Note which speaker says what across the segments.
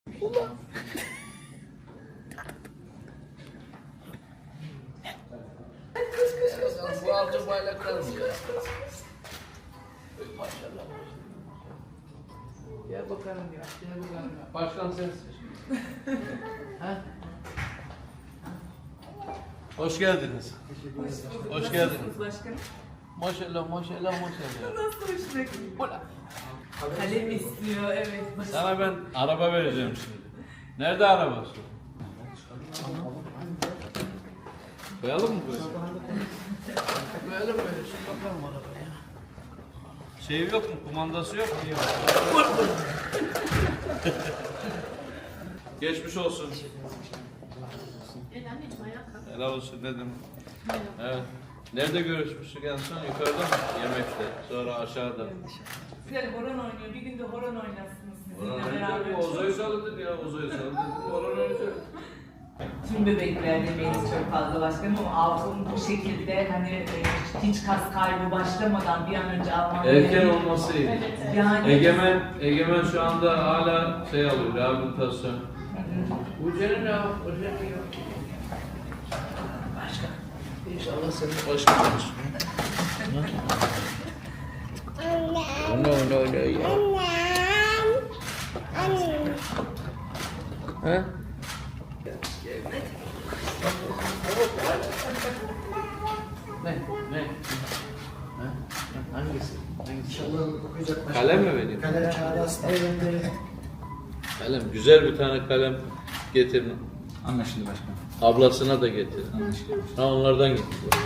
Speaker 1: Bu altı bayraklar mı ya? Maşallah. Gel bakalım ya, gel bakalım ya. Başkan sensin. Ha? Hoş geldiniz. Hoş geldiniz.
Speaker 2: Başkanım.
Speaker 1: Maşallah, maşallah, maşallah.
Speaker 2: Nasıl hoşuna gidiyor? Kalem istiyor, evet.
Speaker 1: Sana ben araba vereceğim şimdi. Nerede arabası? Koyalım mı böyle? Koyalım böyle. Şu bakalım arabaya. Şey yok mu? Kumandası yok mu? Geçmiş olsun. Helal olsun dedim. Evet. Nerede görüşmüştük en son? Yukarıda mı? Yemekte. Sonra aşağıda.
Speaker 2: Güzel horon oynuyor. Bir gün de horon oynasınız
Speaker 1: Orhan
Speaker 2: sizinle
Speaker 1: oynayacak
Speaker 2: beraber.
Speaker 1: mı? Ozo'yu salladık ya. Ozo'yu salladık. Orhan oynayacak.
Speaker 2: Tüm bebekler demeyiz çok fazla başkanım ama Altun bu şekilde hani hiç kas kaybı başlamadan bir an önce almam
Speaker 1: Erken olması iyi.
Speaker 2: Yani
Speaker 1: Egemen şu anda hala şey alıyor, rehabilitasyon. Bu senin ya, o senin ya. Başkan. İnşallah senin başkan olsun. Anne. Ya. Ha? Ne? Ha? Hangisi? Kalem mi vereyim?
Speaker 3: Kalem çağrısı. Evet.
Speaker 1: Kalem, güzel bir tane kalem getirin.
Speaker 3: Anlaşıldı başkanım.
Speaker 1: Ablasına da getirin.
Speaker 3: Anlaşıldı.
Speaker 1: Ha onlardan getir.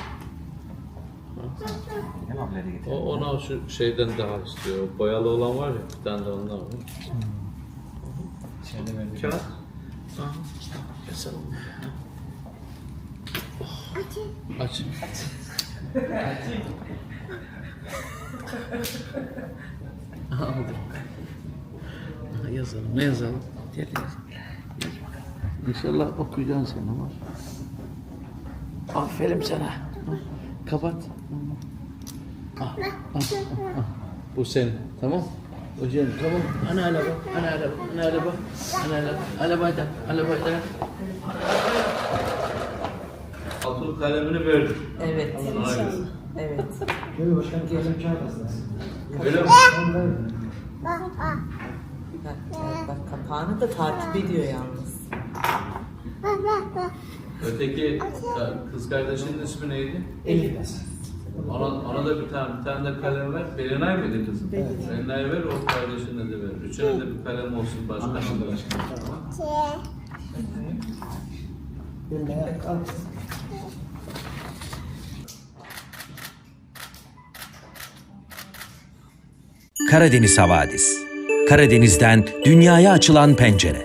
Speaker 3: Hem ablaya da getir.
Speaker 1: O ona şu şeyden daha istiyor. O boyalı olan var ya, bir tane de ondan var.
Speaker 3: İçeride verdik.
Speaker 1: Kağıt. Aha. Keselim. Aç. Aldım. Yazalım. Ne yazalım? Gel yazalım. İnşallah okuyacaksın sen ama. Aferin sana. Kapat. Bu senin. Tamam. Hocam tamam. Ana araba. Arabada. Altın kalemini verdim.
Speaker 2: evet.
Speaker 1: Hayır.
Speaker 2: Evet.
Speaker 3: Böyle başkanım kalem çağrısı.
Speaker 1: Öyle mi?
Speaker 2: Bak kapağını da takip ediyor yalnız.
Speaker 1: Öteki kız kardeşinin ismi neydi?
Speaker 3: Elif.
Speaker 1: Ona da bir tane de kalem ver. Belinay mıydı kızım? Belinay ver, o kardeşine de ver. Üçüne de bir kalem olsun başkanım.
Speaker 3: Anlaşıldı başkanım. Böyle al.
Speaker 4: Karadeniz Havadis. Karadeniz'den dünyaya açılan pencere.